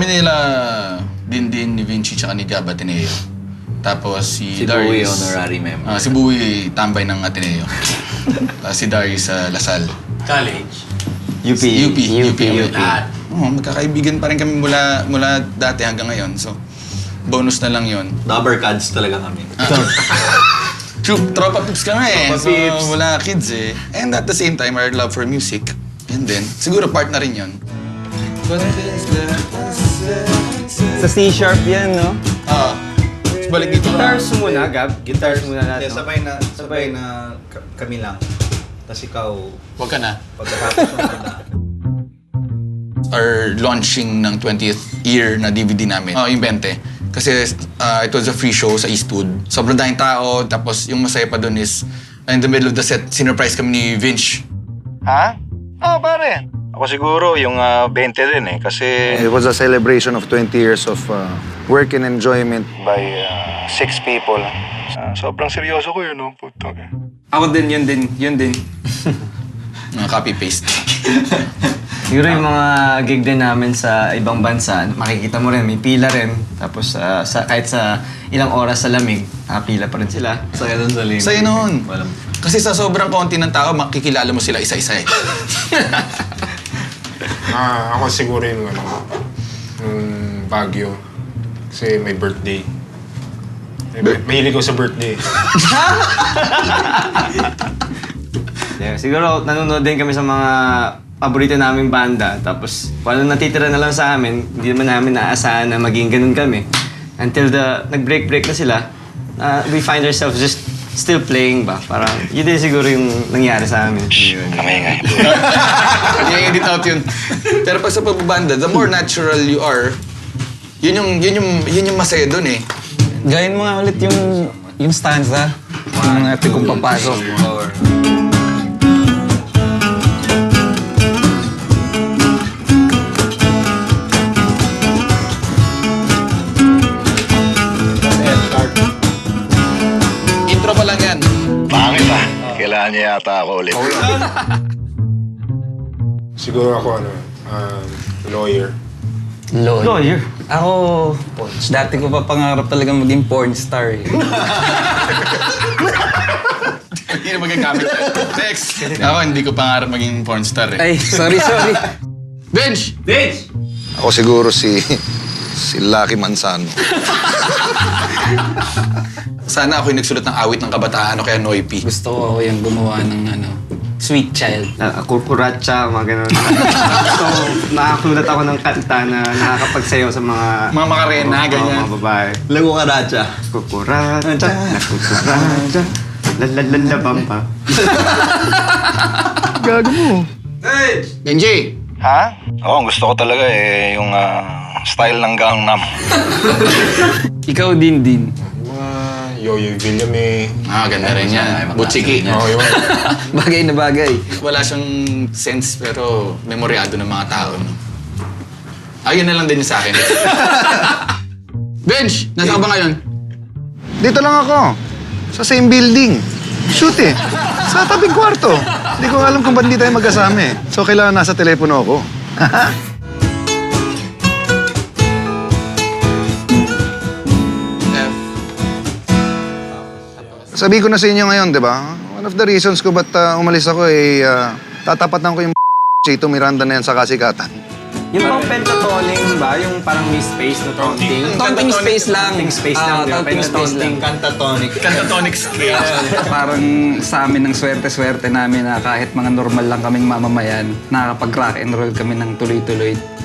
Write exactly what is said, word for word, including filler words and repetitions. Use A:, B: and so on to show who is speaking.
A: nila Dindin, ni Vinci, tsaka ni Gab Ateneo. Tapos si,
B: si
A: Darius...
B: Si Bowie, honorary member.
A: Uh, si Bowie, tambay ng Ateneo. uh, si Darius sa uh, Lasal.
C: College?
A: U P. U P. U P.
C: U P.
A: Oh, magkakaibigan pa rin kami mula mula dati hanggang ngayon. So, bonus na lang yon.
B: Rubbercads talaga kami.
A: True, tropa pips ka nga eh.
B: Tropa
A: So,
B: pips.
A: wala kids eh. And at the same time, our love for music. And then, siguro part na rin yun.
D: Sa C-sharp yan, no?
A: Ah. Balik dito na.
D: Guitars muna, Gab. Guitars muna natin.
B: Yeah, sabay na, sabay na ka- kami lang. Tapos ikaw,
A: Huwag ka na.
B: pagkatapos ng kanta.
A: Our launching ng twentieth year na D V D namin. Oh, yung twenty. Kasi uh, it was a free show sa Eastwood. Sobrang daming tao, tapos yung masaya pa dun is in the middle of the set, sinurprise kami ni Vince.
E: Ha? Oo, oh, pare. Ako siguro yung uh, twenty rin eh, kasi...
F: It was a celebration of twenty years of uh, work and enjoyment.
E: By uh, six people. Uh, sobrang seryoso ko yun, no? Puto.
D: Ako din, yun din, yun din.
A: Mga copy-paste.
D: Siguro yung mga gig din namin sa ibang bansa, makikita mo rin, may pila rin. Tapos uh, sa, kahit sa ilang oras sa lamig, nakapila pa rin sila.
B: Saya nun sa lane.
A: Sa'yo noon.
B: Walang...
A: Kasi sa sobrang konti ng tao, makikilala mo sila isa-isa eh.
G: Ah, ako siguro yung ano, yung Baguio. Kasi may birthday. May, mahilig ko sa birthday.
D: Yeah, siguro nanonood din kami sa mga paborito naming banda. Tapos kung ano natitira na lang sa amin, hindi naman namin naasahan na maging ganun kami. Until the nag-break-break na sila, uh, we find ourselves just still playing ba? Parang yun din siguro yung nangyari sa amin.
E: Kamay-ingay.
A: I-edit out yun. Pero pag sa pagbabanda, the more natural you are, yun yung, yun yung, yun yung masaya dun eh.
H: Gawin mo nga ulit yung, yung stanza. Yung natin kung papasok.
A: Intro pa lang yan.
E: Pangit ah. Kailangan niya yata ako ulit.
G: Siguro ako ano, um, lawyer.
H: Lawyer.
D: Lawyer?
H: Ako, dati ko pa pangarap talaga maging porn star eh.
A: Hindi na magagamit yan. Next. Ako, hindi ko pangarap maging pornstar eh.
H: Ay, sorry, sorry.
A: Bench!
C: Vince!
F: Ako siguro si si Lucky Manzano.
A: Sana ako yung nagsulat ng awit ng kabataan o kaya Noipi.
H: Gusto ko ako yung gumawa ng ano, Sweet Child.
D: Uh, kukuratsa, mga ganun. So, nakakulat ako ng kanta na nakakapagsayaw sa mga...
A: Mga makarena,
D: mga-
A: ganyan.
D: Mga babae.
B: Lago ka racha.
D: Kukuratsa, nakukuratsa, lalalabamba.
F: Gago mo.
A: Benji!
E: Ha? Oo, ang gusto ko talaga eh, yung ah, style ng Gangnam.
H: Ikaw din din.
G: Mga Yoyo Villame.
A: Ah, ganda rin yan. Butsiki.
G: Oo, yun.
H: Bagay na bagay.
A: Wala siyang sense pero memoryado ng mga tao. No? Ayun na lang din yung sa akin. Bench! Nasa ka ba ngayon?
F: Dito lang ako. Sa same building. Shoot eh. Sa tabing kwarto. Hindi ko alam kung ba't hindi tayo magkasama eh. So kailangan nasa telepono ako.
A: F.
F: Sabi ko na sa inyo ngayon, di ba? One of the reasons ko ba't uh, umalis ako ay uh, tatapatan ko yung Chito Miranda na yan sa kasikatan.
D: Yung pang pentatoning ba? Yung parang may space na taunting?
H: Taunting space lang.
D: Taunting space lang.
H: Ah,
D: di ba?
H: taunting space lang.
B: Cantatonic.
A: Cantatonic scale.
H: Parang sa amin ng swerte-swerte namin na kahit mga normal lang kaming mamamayan, nakakapag-rock and roll kami ng tuloy-tuloy.